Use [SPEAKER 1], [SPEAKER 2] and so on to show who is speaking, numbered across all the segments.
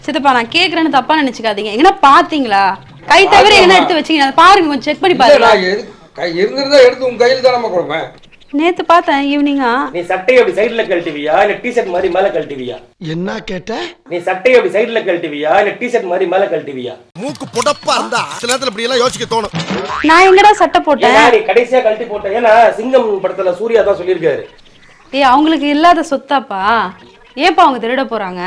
[SPEAKER 1] சித்தப்பா நான் கேக்குறேன்னு தப்பா நினைச்சுக்காதீங்க. எங்கன்னா பாத்தீங்களா? கை தவிர என்ன எடுத்து வச்சீங்க பாருங்க, கொஞ்சம் செக் பண்ணி பாருங்க.
[SPEAKER 2] இருந்திருந்தா எடுத்து உங்க கையில தான் நம்ம கொடுப்பேன்.
[SPEAKER 1] நேத்து பார்த்தேன் ஈவினிங்கா.
[SPEAKER 3] நீ சட்டையை அப்படி சைடுல கழட்டுவியா இல்ல டி-ஷர்ட் மாதிரி மேல கழட்டுவியா?
[SPEAKER 2] என்ன கேட்ட?
[SPEAKER 3] நீ சட்டையை அப்படி சைடுல கழட்டுவியா இல்ல டி-ஷர்ட் மாதிரி மேல கழட்டுவியா?
[SPEAKER 2] மூக்கு புடப்பா இருந்தா சில நேரத்துல இப்படி எல்லாம் யோசிக்க தோணும்.
[SPEAKER 1] நான் எங்கடா சட்டை போட்டேன்?
[SPEAKER 3] நீ கடைசியா கழட்டி போட்ட. ஏன்னா சிங்கம் படத்துல சூர்யா தான் சொல்லியிருக்காரு.
[SPEAKER 1] ஏய் அவங்களுக்கு இல்லாத சொத்தாப்பா, ஏப்பா அவங்க திருட போறாங்க?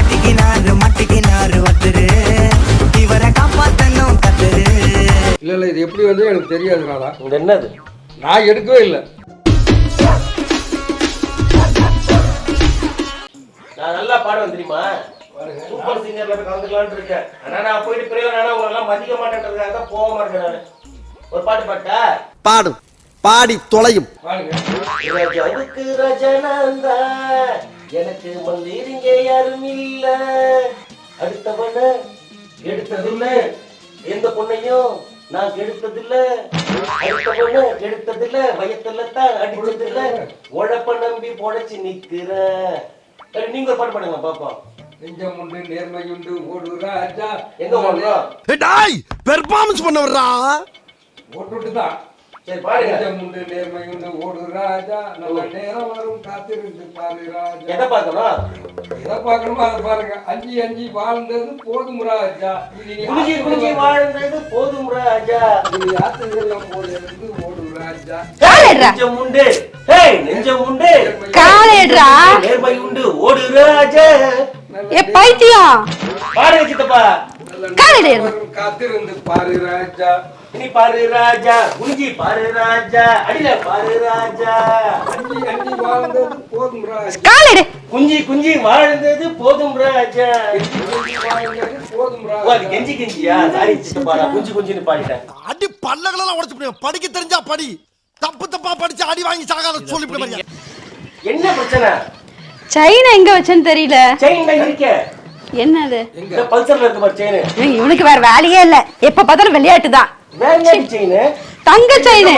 [SPEAKER 2] இல்ல இது எப்படி வந்து எனக்கு தெரியாதுனால.
[SPEAKER 3] இது என்னது?
[SPEAKER 2] நான் எடுக்கவே இல்லை.
[SPEAKER 3] நான் நல்லா பாடுவேன் தெரியுமா? சூப்பர் சிங்கர்ல போய் கலந்துக்கலாம்னு இருக்கேன். ஆனா நான் போயிட்டு பிறகு நானா உங்களெல்லாம் மதிக்க மாட்டேன்றதுக்காக தான் போக மாட்டேன் நானு. ஒரு பாட்டு பாட்டா?
[SPEAKER 2] பாடு. பாடி தொலையும்.
[SPEAKER 3] ராஜாவுக்கு ரஜனந்தா எனக்கு மந்திரிங்க யாரும் இல்ல. அடுத்தவன எடுத்ததில்ல, எந்த பொண்ணையும் நான் கெடுத்ததில்ல. அடுத்தவன கெடுத்ததில்ல, வயத்துல தான் அடிச்சதில்ல. உழப்ப நம்பி பொழைச்சு நிக்கிற. நீங்க ஒரு பாட்டு பாடுங்க பாப்போம்.
[SPEAKER 2] நெஞ்சம் உண்டு நேர்மை உண்டு ஓடு ராஜா.
[SPEAKER 3] எங்க ஓடுறோம்?
[SPEAKER 2] டேய் பெர்ஃபார்மன்ஸ் பண்ண வர்றா. ஓட்டுட்டு தான்.
[SPEAKER 3] சரி பாருங்க.
[SPEAKER 2] நெஞ்சம் உண்டு நேர்மை உண்டு ஓடு ராஜா. நல்ல நேரம் வரும் காத்திருந்து பாரு ராஜா.
[SPEAKER 3] எதை பார்க்கணும்?
[SPEAKER 2] எதை பார்க்கணுமோ அதை பாருங்க. அஞ்சி அஞ்சி வாழ்ந்தது போதும் ராஜா.
[SPEAKER 3] குளிச்சி குளிச்சி வாழ்ந்தது போதும் ராஜா.
[SPEAKER 2] இது யாத்திரையெல்லாம் போது ஓடு ராஜா.
[SPEAKER 3] நெஞ்சம் உண்டு, நெஞ்சம் உண்டு,
[SPEAKER 1] காலேட்ரா
[SPEAKER 3] நேர்மை உண்டு ஓடு ராஜா.
[SPEAKER 1] ஏ பைத்தியம்
[SPEAKER 3] பாருங்க சித்தப்பா.
[SPEAKER 2] காத்திருந்து பாரு ராஜா.
[SPEAKER 3] இனி பாரு ராஜா, குஞ்சி பாரு ராஜா, அடியில பாரு ராஜா.
[SPEAKER 2] அஞ்சி அஞ்சி வாழ்ந்தது போதும் ராஜா.
[SPEAKER 1] காலேடு
[SPEAKER 3] குஞ்சி குஞ்சி வாழ்ந்தது போதும் ராஜா.
[SPEAKER 2] போதும் ராஜா.
[SPEAKER 3] ஓ அது கெஞ்சி கெஞ்சியா? சாரி சித்தப்பா, நான் குஞ்சி குஞ்சின்னு பாடிட்டேன்.
[SPEAKER 2] அடி பல்லகளெல்லாம் உடைச்சு போடுவேன். படிக்க தெரிஞ்சா படி, தப்பு தப்பா படிச்சு அடி வாங்கி சாகாத சொல்லிவிட மாதிரியா.
[SPEAKER 3] என்ன பிரச்சனை?
[SPEAKER 1] செயின் எங்க வச்சேன்னு தெரியல.
[SPEAKER 3] செயின் தான் இருக்கே.
[SPEAKER 1] என்னது?
[SPEAKER 3] இந்த பல்சர்ல இருக்கு பாரு செயின்.
[SPEAKER 1] இவனுக்கு வேற வேலையே இல்ல, எப்ப பார்த்தாலும் விளையாட்டு தான்.
[SPEAKER 3] வேற செயின்?
[SPEAKER 1] தங்க செயின்.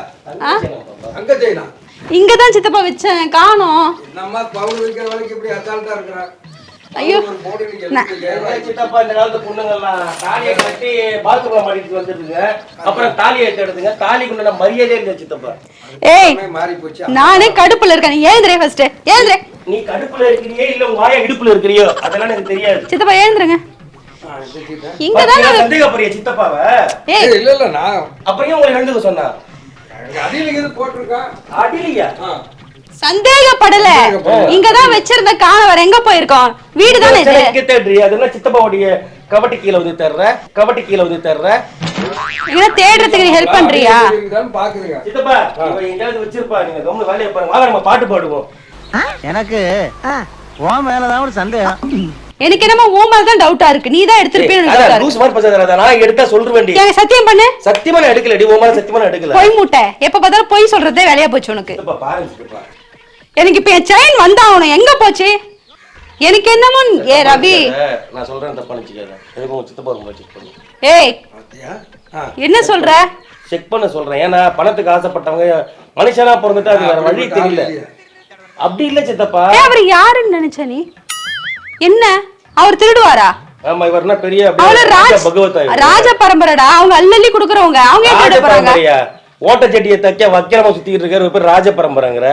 [SPEAKER 2] அங்க செயினா?
[SPEAKER 1] இங்கதான் சித்தப்பா வச்சேன், காணோம்.
[SPEAKER 2] நம்ம பவுன் வைக்கிற வேலைக்கு இப்படி அசால்ட்டா இருக்கறா.
[SPEAKER 1] ஐயோ
[SPEAKER 3] சித்தப்பா, இந்த காலத்து பொண்ணுங்கெல்லாம் தாலியை கட்டி பாத்ரூம்ல மாட்டிட்டு வந்துருங்க. அப்புறம் தாலியை எடுத்துங்க. தாலிக்குள்ள மரியாதையே இல்ல சித்தப்பா.
[SPEAKER 1] ஏய்
[SPEAKER 2] மாறி போச்சு.
[SPEAKER 1] நானே கடுப்புல இருக்கேன். ஏந்திரே ஃபர்ஸ்ட் ஏந்திரே.
[SPEAKER 3] நீ கடுப்புல இருக்கறியே இல்ல உங்க வாயை இடுப்புல இருக்கறியோ அதெல்லாம் எனக்கு தெரியாது.
[SPEAKER 1] சித்தப்பா ஏந்திரங்க. இங்கதான்
[SPEAKER 3] சந்தேகப்படுறிய சித்தப்பாவ?
[SPEAKER 1] ஏய்
[SPEAKER 2] இல்ல இல்ல நான்
[SPEAKER 3] அப்புறம் உங்களுக்கு எழுந்துக்க சொன்னா?
[SPEAKER 2] அடியில இது போட்டுருக்கான்.
[SPEAKER 3] அடியிலையா?
[SPEAKER 1] சந்தேகப்படல. இங்கதான் வச்சிருந்த காண வர எங்க போயிருக்கோம்? வீடு தானே இது.
[SPEAKER 3] இங்க தேடுறிய? அதெல்லாம் சித்தப்பாவுடைய கபட்டி கீழ வந்து தேடுற. கபட்டி கீழ வந்து தேடுற.
[SPEAKER 1] இங்க தேடுறதுக்கு நீ ஹெல்ப் பண்றியா?
[SPEAKER 2] பாக்குறீங்க
[SPEAKER 3] சித்தப்பா, இவன் எங்கயாவது வச்சிருப்பா. நீங்க கம்முனு வேலைய பாருங்க. வாங்க நம்ம பாட்டு பாடுவோம்.
[SPEAKER 4] எனக்கு உன் மேலதான் ஒரு சந்தேகம்.
[SPEAKER 1] எனக்கு என்னமோ உன் மேல தான் டவுட்டா இருக்கு. நீ தான் எடுத்துப்பேன்னு எனக்கு டவுட்டா
[SPEAKER 3] லூஸ் மாதிரி பேசாதடா. நான் எடுத்தா சொல்றேன்டி.
[SPEAKER 1] இருக்கு. சத்தியம் பண்ணு.
[SPEAKER 3] சத்தியமா நான் எடுக்கலடி. உன் மேல சத்தியமா நான் எடுக்கல.
[SPEAKER 1] பொய் மூட்டை. எப்ப பார்த்தாலும் பொய் சொல்றதே வேலையா போச்சு உனக்கு.
[SPEAKER 3] சித்தப்பா பாருங்க சித்தப்பா.
[SPEAKER 1] எனக்கு இப்ப என் செயின் வந்தா அவனும் எங்க போச்சு? எனக்கு என்னமோ ஏ ரவி
[SPEAKER 3] நான் சொல்றேன் தப்பா நினைச்சுக்காத. எனக்கு உங்க சித்தப்பா ரொம்ப செக் பண்ணு.
[SPEAKER 1] ஏய் என்ன சொல்ற?
[SPEAKER 3] செக் பண்ண சொல்றேன். ஏன்னா பணத்துக்கு ஆசைப்பட்டவங்க மனுஷனா பிறந்துட்டா அது வேற வழி தெரியல. அப்படி இல்ல சித்தப்பா.
[SPEAKER 1] அவர் யாருன்னு நினைச்ச நீ? என்ன அவர் திருடுவாரா?
[SPEAKER 3] ஆமா இவர்னா பெரிய
[SPEAKER 1] பகவத் ராஜ பரம்பரைடா. அவங்க அள்ளி குடுக்குறவங்க. அவங்க ஏன் திருட போறாங்க?
[SPEAKER 3] ஓட்ட செட்டியை தைக்க வக்கிரமா சுத்திட்டு இருக்காரு. பேர் ராஜ பரம்பரைங்கற.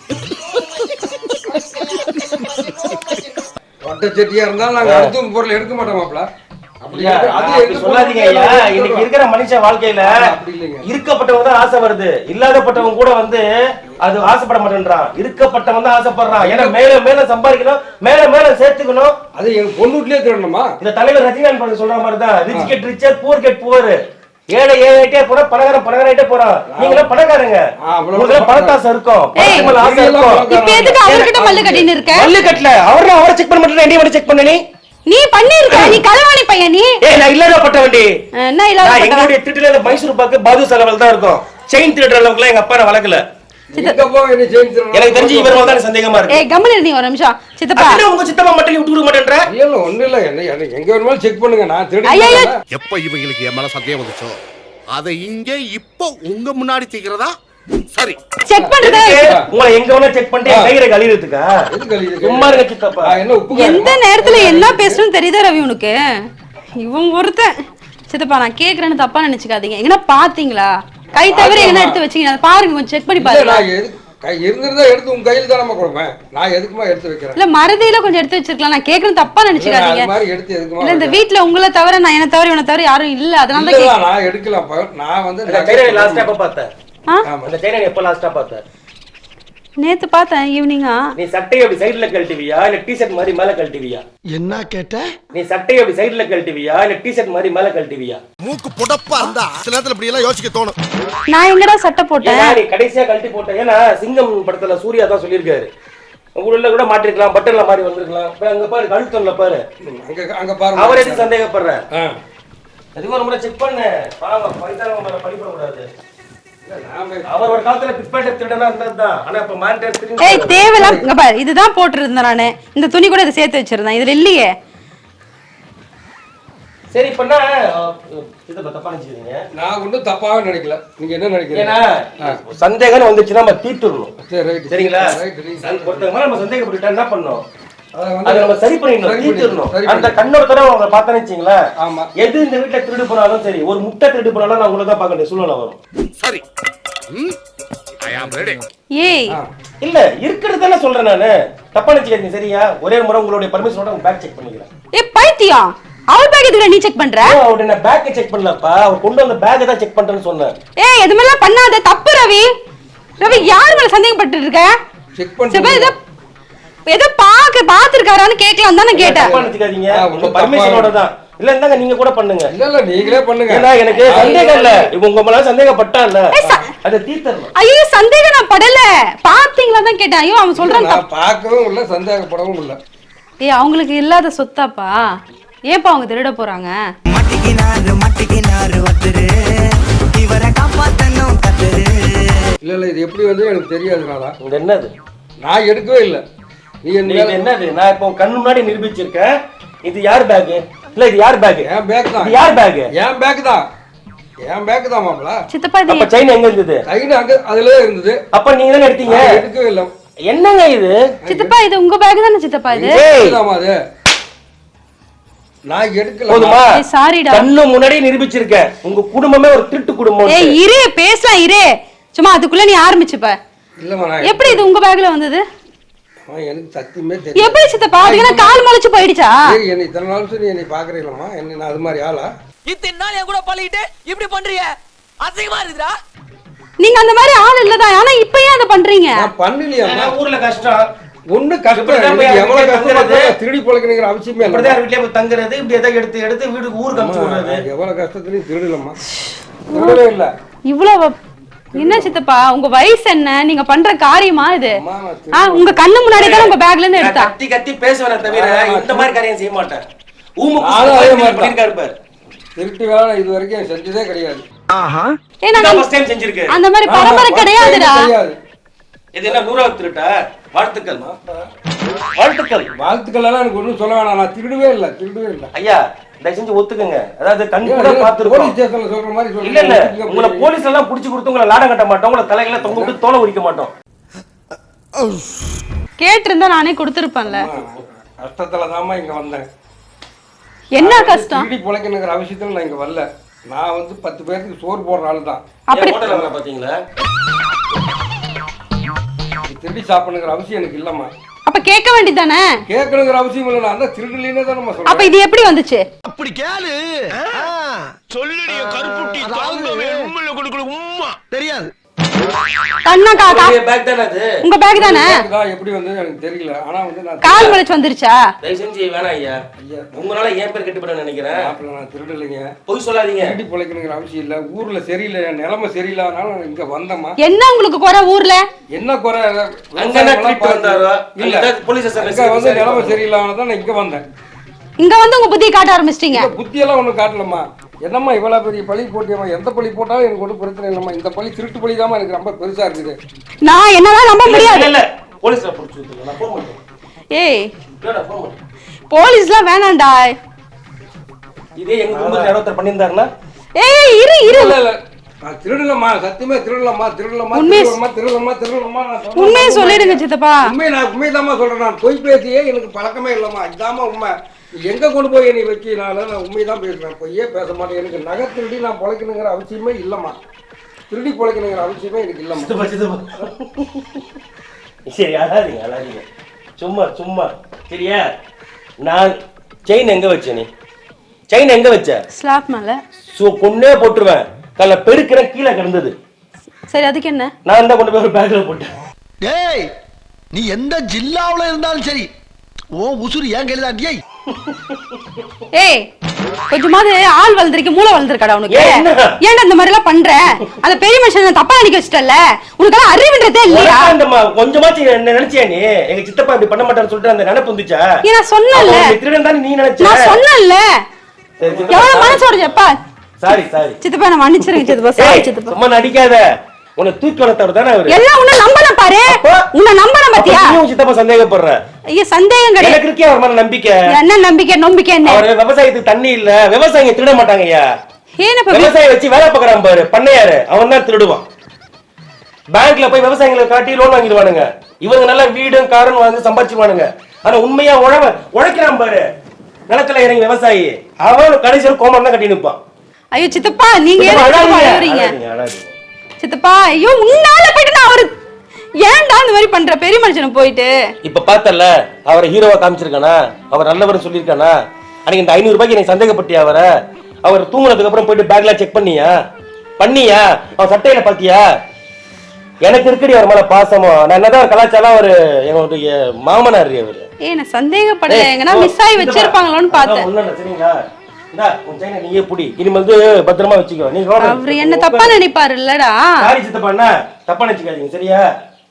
[SPEAKER 2] ஓட்ட செட்டியா இருந்தாலும் நாங்க அடுத்த பொருள் எடுக்க மாட்டோம் மாப்ள.
[SPEAKER 3] அப்படி சொல்லாதீங்க ஐயா. இன்னைக்கு இருக்கிற மனுஷ வாழ்க்கையில இருக்கப்பட்டவங்க தான் ஆசை வருது. இல்லாதப்பட்டவங்க கூட வந்து அது ஆசைப்பட மாட்டேன்றான். இருக்கப்பட்டவங்க தான் ஆசைப்படுறான். ஏன்னா மேல மேல சம்பாதிக்கணும், மேல மேல சேர்த்துக்கணும்.
[SPEAKER 2] அது எங்க பொண்ணுட்லயே திருடணுமா?
[SPEAKER 3] இந்த தலைவர் ரஜினிகாந்த் சொல்ற மாதிரி தான். Rich get richer, poor get poor. ஏழை ஏழைட்டே போற, பணக்காரன் பணக்காரட்டே போறான். நீங்களே பணக்காரங்க. உங்களுக்கு பணத்தாசை இருக்கும், பணத்து ஆசை இருக்கும்.
[SPEAKER 1] இப்ப எதுக்கு அவர்கிட்ட மல்லு கட்டின்னு இருக்க?
[SPEAKER 3] மல்லு கட்டல. அவரை செக் பண்ண மாட்டேன். என்னைய மட்டும் செக் பண்ண
[SPEAKER 1] நீ பண்ணிருக்க. நீ களவாணி பையன் நீ.
[SPEAKER 3] ஏய் நான் இல்லாதப்பட்டவன்டி.
[SPEAKER 1] என்ன இல்லாதப்பட்டவன்?
[SPEAKER 3] எங்களுடைய திருட்டுல மைசூர் பாக்கு பாது செலவல் தான் இருக்கும். செயின் திருடுற அளவுக்குலாம் எங்க அப்பா வளர்க்கல. எனக்கு தெரிஞ்சு இவர் மேல தான் சந்தேகமா இருக்கு.
[SPEAKER 1] ஏய் கம்மன் இருங்க ஒரு நிமிஷம். சித்தப்பா
[SPEAKER 3] என்ன உங்க சித்தப்பா மட்டும் விட்டு விட மாட்டேன்ற?
[SPEAKER 2] இல்ல ஒண்ணு இல்ல. என்ன எங்க வேணுமாலும் செக் பண்ணுங்க. நான் திருடுறேன்.
[SPEAKER 5] எப்ப இவங்களுக்கு என் மேல சந்தேகம் வந்துச்சோ அதை இங்க இப்போ உங்க முன்னாடி தீக்கிறதா
[SPEAKER 2] சரி
[SPEAKER 1] செக் பண்றதா
[SPEAKER 3] உங்களை எங்க வேணா செக் பண்ணிட்டு கையில கழிவுறதுக்கா சும்மா இருக்க சித்தப்பா.
[SPEAKER 5] என்ன உப்பு
[SPEAKER 1] எந்த நேரத்துல என்ன பேசணும்னு தெரியுதா ரவி உனக்கு? இவன் ஒருத்தன். சித்தப்பா நான் கேக்குறேன்னு தப்பா நினைச்சுக்காதீங்க. எங்கன்னா பாத்தீங்களா? கை தவிர எங்கன்னா எடுத்து வச்சீங்க அதை பாருங்க, கொஞ்சம் செக் பண்ணி பாருங்க.
[SPEAKER 5] இருந்திருந்தா எடுத்து உங்க கையில தான் நம்ம கொடுப்பேன். நான் எதுக்குமா எடுத்து வைக்கிறேன்?
[SPEAKER 1] இல்ல மறதியில கொஞ்சம் எடுத்து வச்சிருக்கலாம். நான் கேக்குறேன்னு தப்பா நினைச்சுக்காதீங்க.
[SPEAKER 5] மாதிரி எடுத்து எதுக்குமா?
[SPEAKER 1] இல்ல இந்த வீட்ல உங்களை தவிர நான் என்ன தவிர இவனை தவிர யாரும் இல்ல, அதனால தான்
[SPEAKER 5] இல்ல நான் எடுக்கலாம். நான் வந்து
[SPEAKER 3] கையில லாஸ்டா எப்ப பார்த்தேன்?
[SPEAKER 1] ஆ?
[SPEAKER 3] அந்த கையில எப்ப லாஸ்டா பார்த்தேன்?
[SPEAKER 1] நேத்து பார்த்தேன் ஈவினிங்கா.
[SPEAKER 3] நீ சட்டையை அப்படி சைடுல கழட்டுவியா இல்ல டி-ஷர்ட் மாதிரி மேல கழட்டுவியா?
[SPEAKER 2] என்ன கேட்ட?
[SPEAKER 3] நீ சட்டையை அப்படி சைடுல கழட்டுவியா இல்ல டி-ஷர்ட் மாதிரி மேல கழட்டுவியா?
[SPEAKER 2] மூக்கு புடப்பா இருந்தா சில நேரத்துல இப்படி எல்லாம் யோசிக்க தோணும்.
[SPEAKER 1] நான் எங்கடா சட்டை போட்டேன்?
[SPEAKER 3] ஏன்னா நீ கடைசியா கழட்டி போட்ட. ஏன்னா சிங்கம் படத்துல சூர்யா தான் சொல்லியிருக்காரு, உள்ள கூட மாட்டிருக்கலாம், பட்டன்ல மாறி வந்திருக்கலாம். அங்க பாரு கழுத்தம்ல பாரு,
[SPEAKER 5] அங்க பாருங்க.
[SPEAKER 3] அவர் எதுக்கு சந்தேகப்படுற? அதுவும் ஒரு முறை செக் பண்ணு. பாவம் பைசால படிப்பட கூடாது. அவர் ஒரு காலத்துல பிட்பேட்டை திருடனா இருந்ததுதான். ஆனா இப்ப மானிட்டர் திருடி.
[SPEAKER 1] ஏய் தேவலாம் இங்க பாரு, இதுதான் போட்டுருந்தேன் நானு. இந்த துணி கூட இதை சேர்த்து வச்சிருந்தேன், இதுல இல்லையே.
[SPEAKER 3] சரி பண்ணா இத தப்பா நினைச்சீங்க.
[SPEAKER 5] நான் ஒன்றும் தப்பாவே நினைக்கல. நீங்க என்ன நினைக்கிறீங்க?
[SPEAKER 3] ஏன்னா சந்தேகம் வந்துச்சுன்னா நம்ம தீர்த்துடணும்.
[SPEAKER 5] சரி ரைட்.
[SPEAKER 3] சரிங்களா? ஒருத்தங்க மேல நம்ம சந்தேகப்பட்டுட்டா என்ன பண்ணணும்? அதை நம்ம சரி பண்ணிடணும், தீர்த்துடணும். அந்த கண்ணோட தடவை அவங்க பார்த்தா நினைச்சீங்களா?
[SPEAKER 5] ஆமா.
[SPEAKER 3] எது இந்த வீட்டுல திருடு போனாலும் சரி, ஒரு முட்டை திருடு போனாலும் நான் உங்களை தான் பார்க்க வேண்டிய சூழ்நிலை வரும்.
[SPEAKER 2] சரி
[SPEAKER 1] ஏய்
[SPEAKER 3] இல்ல இருக்கிறது தானே சொல்றேன் நானு. தப்பா நினைச்சுக்காதீங்க சரியா? ஒரே முறை உங்களுடைய பர்மிஷனோட உங்க பேக் செக் பண்ணிக்கிறேன்.
[SPEAKER 1] ஏய் பைத்தியம், அவள் பேக் எதுக்கு நீ செக் பண்ற?
[SPEAKER 3] அவருடைய நான் பேக்கை செக் பண்ணலப்பா, அவர் கொண்டு வந்த பேக்கை தான் செக் பண்றேன்னு சொன்னேன்.
[SPEAKER 1] ஏய் எதுமெல்லாம் பண்ணாத, தப்பு ரவி. ரவி யார் மேல சந்தேகப்பட்டு இருக்க?
[SPEAKER 5] செக் பண்ணி
[SPEAKER 1] ஏதோ பாத்துருக்காரான்னு கேட்கலாம் தான் நான் கேட்டேன்.
[SPEAKER 3] தப்பா நினைச்சுக்காதீங்க, உங்க பர்மிஷனோட தான். இல்ல இருந்தாங்க நீங்க கூட பண்ணுங்க.
[SPEAKER 5] இல்ல நீங்களே பண்ணுங்க.
[SPEAKER 3] ஏன்னா எனக்கு சந்தேகம் இல்ல, உங்க மேல சந்தேகப்பட்டா இல்ல அத தீர்த்தறணும்.
[SPEAKER 1] ஐயோ சந்தேகம் நான் படல, பாத்தீங்களா தான் கேட்டேன். ஐயோ அவன் சொல்றான்
[SPEAKER 5] நான் பார்க்கவும் இல்ல சந்தேகப்படவும் இல்ல.
[SPEAKER 1] ஏய் அவங்களுக்கு இல்லாத சொத்தாப்பா, ஏப்பா அவங்க திருட போறாங்க?
[SPEAKER 5] இல்ல இது எப்படி வந்து எனக்கு தெரியாதுனால.
[SPEAKER 3] இது என்னது?
[SPEAKER 5] நான் எடுக்கவே இல்ல. நீ
[SPEAKER 3] என்னது? நான் இப்போ கண்ணு முன்னாடி நிரூபிச்சிருக்கேன். இது யார் பேக்? இல்ல இது யார் பேக்?
[SPEAKER 5] என் பேக் தான்.
[SPEAKER 3] இது யார் பேக்?
[SPEAKER 5] என் பேக் தான். என் பேக் தான் மாப்ள.
[SPEAKER 1] சித்தப்பா இது
[SPEAKER 3] அப்ப செயின் எங்க இருந்தது?
[SPEAKER 5] செயின் அங்க அதுலயே இருந்தது.
[SPEAKER 3] அப்ப நீங்க தான எடுத்தீங்க?
[SPEAKER 5] எடுக்கவே இல்ல.
[SPEAKER 3] என்னங்க இது?
[SPEAKER 1] சித்தப்பா இது உங்க பேக் தானே சித்தப்பா இது?
[SPEAKER 5] ஆமா அது நான் எடுக்கல.
[SPEAKER 3] போதுமா?
[SPEAKER 1] ஏய் சாரிடா.
[SPEAKER 3] கண்ணு முன்னாடி நிரூபிச்சிருக்கேன். உங்க குடும்பமே ஒரு திருட்டு குடும்பம்.
[SPEAKER 1] ஏய் இரு பேசலாம் இரு. சும்மா அதுக்குள்ள நீ ஆரம்பிச்சுப்ப.
[SPEAKER 5] இல்லமா நான்
[SPEAKER 1] எப்படி இது உங்க பேக்ல வந்தது?
[SPEAKER 5] எனக்கு சத்தியமே தெரியல.
[SPEAKER 1] எப்படி சித்தப்பா அதுக்கு கால் முளைச்சு போயிடுச்சா?
[SPEAKER 5] ஏய் என்னை இத்தனை நாள் சரி என்னை பாக்குறீங்களா? என்ன நான் அது மாதிரி ஆளா?
[SPEAKER 6] இத்தனை நாள் என் கூட பழகிட்டு இப்படி பண்றீங்க, அசிங்கமா இருக்குடா.
[SPEAKER 1] நீங்க அந்த மாதிரி ஆள் இல்லதான், ஆனா இப்ப ஏன் அதை பண்றீங்க?
[SPEAKER 5] நான் பண்ணலையா?
[SPEAKER 3] ஊர்ல கஷ்டம்
[SPEAKER 5] ஒண்ணு கஷ்டம். எவ்வளவு கஷ்டப்படுறது திருடி பழக்கணுங்கிற அவசியமே இல்லை.
[SPEAKER 3] இப்படிதான் வீட்டுல போய் தங்குறது, இப்படி எதாவது எடுத்து எடுத்து வீட்டுக்கு ஊருக்கு அனுப்பிச்சு விடுறது.
[SPEAKER 5] எவ்வளவு கஷ்டத்துலயும் திருடலம்மா, திருடவே இல்ல.
[SPEAKER 1] இவ்வளவு என்ன சித்தப்பா உங்க வயசு என்ன? நீங்க பண்ற காரியமா இது? உங்க கண்ணு முன்னாடி தான் உங்க பேக்ல இருந்து எடுத்தா.
[SPEAKER 3] கத்தி கத்தி பேசுவேன் தவிர இந்த மாதிரி காரியம் செய்ய மாட்டேன்.
[SPEAKER 5] திருட்டு வேலை இது வரைக்கும் செஞ்சதே கிடையாது.
[SPEAKER 1] அந்த மாதிரி பரம்பரை கிடையாதுடா.
[SPEAKER 3] இது என்ன 100வது திருட்டா? வாழ்த்துக்கள் வாழ்த்துக்கள்
[SPEAKER 5] வாழ்த்துக்கள் எல்லாம் எனக்கு ஒண்ணும் சொல்ல வேணாம். நான் திருடவே இல்லை, திருடவே இல்லை.
[SPEAKER 3] ஐயா தயவு செஞ்சு ஒத்துக்குங்க. அதாவது கண் கூட பாத்துருக்கோம்.
[SPEAKER 5] போலீஸ் ஸ்டேஷன்ல சொல்ற மாதிரி சொல்லுங்க.
[SPEAKER 3] இல்ல இல்ல உங்களை போலீஸ் எல்லாம் புடிச்சு கொடுத்து உங்களை லாடம் கட்ட மாட்டோம், உங்களை தலையில தொங்க விட்டு தோலை உரிக்க மாட்டோம்.
[SPEAKER 1] கேட்டிருந்தா நானே கொடுத்துருப்பேன்ல.
[SPEAKER 5] கஷ்டத்துல தாமா இங்க வந்தேன்.
[SPEAKER 1] என்ன கஷ்டம்?
[SPEAKER 5] திருடி பொழைக்கணுங்கிற அவசியத்துல நான் இங்க வரல. நான் வந்து 10 பேருக்கு சோறு போடுற ஆளு தான்.
[SPEAKER 1] அப்படி
[SPEAKER 3] ஹோட்டல்ல பாத்தீங்களா?
[SPEAKER 5] திருடி சாப்பிடணுங்கிற அவசியம் எனக்கு இல்லம்மா.
[SPEAKER 1] அப்ப கேட்க வேண்டியதானே?
[SPEAKER 5] கேட்கணுங்கிற அவசியம் இல்லை. நான் தான் திருடலினே தான் நம்ம சொல்றேன்.
[SPEAKER 1] அப்ப இது எப்படி வந்துச்சு?
[SPEAKER 2] அப்படி கேளு. சொல்லுடிய கருப்புட்டி தாங்கவே உம்மல கொடுக்கல உம்மா தெரியாது.
[SPEAKER 1] கண்ணா காக்கா
[SPEAKER 3] பேக் தானே அது?
[SPEAKER 1] உங்க பேக் தானே?
[SPEAKER 5] எப்படி வந்து எனக்கு தெரியல. ஆனா வந்து நான்
[SPEAKER 1] கால் முளைச்சு வந்துருச்சா?
[SPEAKER 3] தயவு செஞ்சு வேணாம் ஐயா, உங்களால ஏன் பேர் கெட்டுப்பட நினைக்கிறேன்.
[SPEAKER 5] நான் திருடலைங்க,
[SPEAKER 3] பொய் சொல்லாதீங்க.
[SPEAKER 5] திருடி பொழைக்கணுங்கிற அவசியம் இல்ல. ஊர்ல சரியில்லை, நிலைமை சரியில்லாதனால நான் இங்க வந்தேம்மா.
[SPEAKER 1] என்ன உங்களுக்கு குறை ஊர்ல?
[SPEAKER 5] என்ன குறை?
[SPEAKER 3] அங்க திருட்டு வந்தாரோ இல்ல போலீஸ் ஸ்டேஷன்ல
[SPEAKER 5] வந்து நிலைமை சரியில்லாதனால நான் இங்க வந்தேன்.
[SPEAKER 1] இங்க வந்து உங்க புத்தியை காட்ட ஆரம்பிச்சிட்டீங்க.
[SPEAKER 5] புத்தி எல்லாம் ஒண்ணும் காட்டலம்மா. என்னம்மா இவ்வளவு பெரிய பழி போட்டியம்மா? எந்த பழி போட்டாலும் எனக்கு ஒன்றும் பிரச்சனை இல்லம்மா. இந்த பழி திருட்டு பழி தான் எனக்கு ரொம்ப பெருசா இருக்குது.
[SPEAKER 1] நான் என்னதான் நம்ப முடியாது.
[SPEAKER 3] இல்ல போலீஸ்ல புடிச்சு விட்டுங்க, நான் போன் பண்றேன்.
[SPEAKER 1] ஏய்
[SPEAKER 3] இல்லடா போன் பண்ணு.
[SPEAKER 1] போலீஸ்லாம் வேணாம்டா.
[SPEAKER 3] இதே எங்க குடும்பத்துல யாரோ ஒருத்தர் பண்ணிருந்தாருன்னா?
[SPEAKER 1] ஏய் இரு இரு.
[SPEAKER 5] இல்ல இல்ல நான் திருடலம்மா, சத்தியமா திருடலம்மா.
[SPEAKER 1] உண்மையை
[SPEAKER 5] நான்
[SPEAKER 1] உண்மையை சொல்லிடுங்க சித்தப்பா.
[SPEAKER 5] நான் உண்மைதாம்மா சொல்றேன். நான் பொய் பேசியே எனக்கு பழக்கமே இல்லம்மா. இதாம்மா உண்மை. எங்க கொண்டு போய் என்னை வைக்கினால நான் உண்மைதான் பேசுறேன், பொய்யே பேச மாட்டேன். எனக்கு நகை திருடி நான் பொழைக்கணுங்கிற அவசியமே இல்லம்மா. திருடி பொழைக்கணுங்கிற அவசியமே எனக்கு இல்லம்மா.
[SPEAKER 3] சரி, அழாதீங்க. சும்மா சரியா? நான் செயின் எங்க வச்ச? நீ செயின் எங்க வச்ச?
[SPEAKER 1] ஸ்லாப் மேல.
[SPEAKER 3] கொன்னே போட்டுருவேன். கால பெருக்கிறேன், கீழே கிடந்தது.
[SPEAKER 1] சரி, அதுக்கு என்ன?
[SPEAKER 3] நான் தான் கொண்டு போய் ஒரு பேக்ல போட்டேன்.
[SPEAKER 2] டேய், நீ எந்த ஜில்லாவுல இருந்தாலும் சரி, ஓ உசுறு ஏன் கையில தான். டேய்
[SPEAKER 1] ஏய், கொஞ்சமாவது ஆள் வளர்ந்துருக்கு, மூளை வளர்ந்துருக்காடா உனக்கு?
[SPEAKER 3] என்ன?
[SPEAKER 1] ஏன்டா இந்த மாதிரி எல்லாம் பண்ற? அந்த பெரிய மனுஷன் தப்பா நினைக்க வச்சிட்டல. உனக்கு அறிவுன்றதே இல்லையா?
[SPEAKER 3] கொஞ்சமாச்சு என்ன நினைச்சியா நீ? எங்க சித்தப்பா இப்படி பண்ண மாட்டான்னு சொல்லிட்டு அந்த நினைப்பு வந்துச்சா?
[SPEAKER 1] நான் சொன்னேன்ல,
[SPEAKER 3] திருடன் தான் நீ நினைச்ச.
[SPEAKER 1] நான் சொன்னேன்ல. எவ்வளவு மனசோட ஜப்பா.
[SPEAKER 3] சாரி
[SPEAKER 1] சித்தப்பா, நான் மன்னிச்சிருங்க சித்தப்பா. சாரி சித்தப்பா.
[SPEAKER 3] சும்மா நடிக்காத. உன்னை தூக்கி வளர்த்தவர் தானே அவரு.
[SPEAKER 1] எல்லாம் உன்னை நம்பலாம் பாரு. உன்னை நம்பலாம் பாத்தியா?
[SPEAKER 3] நீ சித்தப்பா சந்தேகப்படுற?
[SPEAKER 1] ஐயா, சந்தேகம் கிடையாது.
[SPEAKER 3] எனக்கு இருக்கே அவர் மேல நம்பிக்கை.
[SPEAKER 1] என்ன நம்பிக்கை என்ன?
[SPEAKER 3] அவரு விவசாயத்துக்கு தண்ணி இல்ல, விவசாயிங்க திருட மாட்டாங்க ஐயா.
[SPEAKER 1] ஏனப்பா
[SPEAKER 3] விவசாயி வச்சு வேலை பார்க்கறான் பாரு, பண்ணையாரு, அவன் தான் திருடுவான். பேங்க்ல போய் விவசாயிகளை காட்டி லோன் வாங்கிடுவானுங்க. இவங்க நல்லா வீடும் காரும் வாங்கி சம்பாதிச்சுவானுங்க. ஆனா உண்மையா உழைக்கிறான் பாரு, நிலத்துல இறங்கி விவசாயி, அவன் கடைசியில் கோமம் தான் கட்டி நிற்பான்.
[SPEAKER 1] ஐயோ சித்தப்பா, நீங்க அழுறீங்க சித்தப்பா. ஐயோ, உன்னால போயிட்டு நான் அவரு ஏன்டா இந்த மாதிரி பண்ற பெரிய மனுஷனை போயிட்டு?
[SPEAKER 3] இப்ப பார்த்தல அவரை ஹீரோவா காமிச்சிருக்கானா? அவர் நல்லவர் சொல்லியிருக்கானா? அன்னைக்கு இந்த 500 ரூபாய்க்கு நீ சந்தேகப்பட்டியா அவரை? அவர் தூங்குனதுக்கு அப்புறம் போயிட்டு பேக்ல செக் பண்ணியா? அவன் சட்டையில பாத்தியா? எனக்கு இருக்கடி அவர் மேல பாசமா. நான் என்னதான் கலாச்சாரம், அவரு என்னுடைய மாமனார். அவரு
[SPEAKER 1] நான் சந்தேகப்படல, எங்கன்னா மிஸ் ஆகி வச்சிருப்பாங்களோன்னு பார்த்தேன்.
[SPEAKER 3] சரிங்களா? நீயே புடி, இனிமேல் பத்திரமா வச்சுக்கோ. நீ
[SPEAKER 1] அவரு என்ன தப்பா நினைப்பாரு இல்லடா.
[SPEAKER 3] சாரி சித்தப்பா, தப்பா நினைச்சுக்காதீங்க சரியா?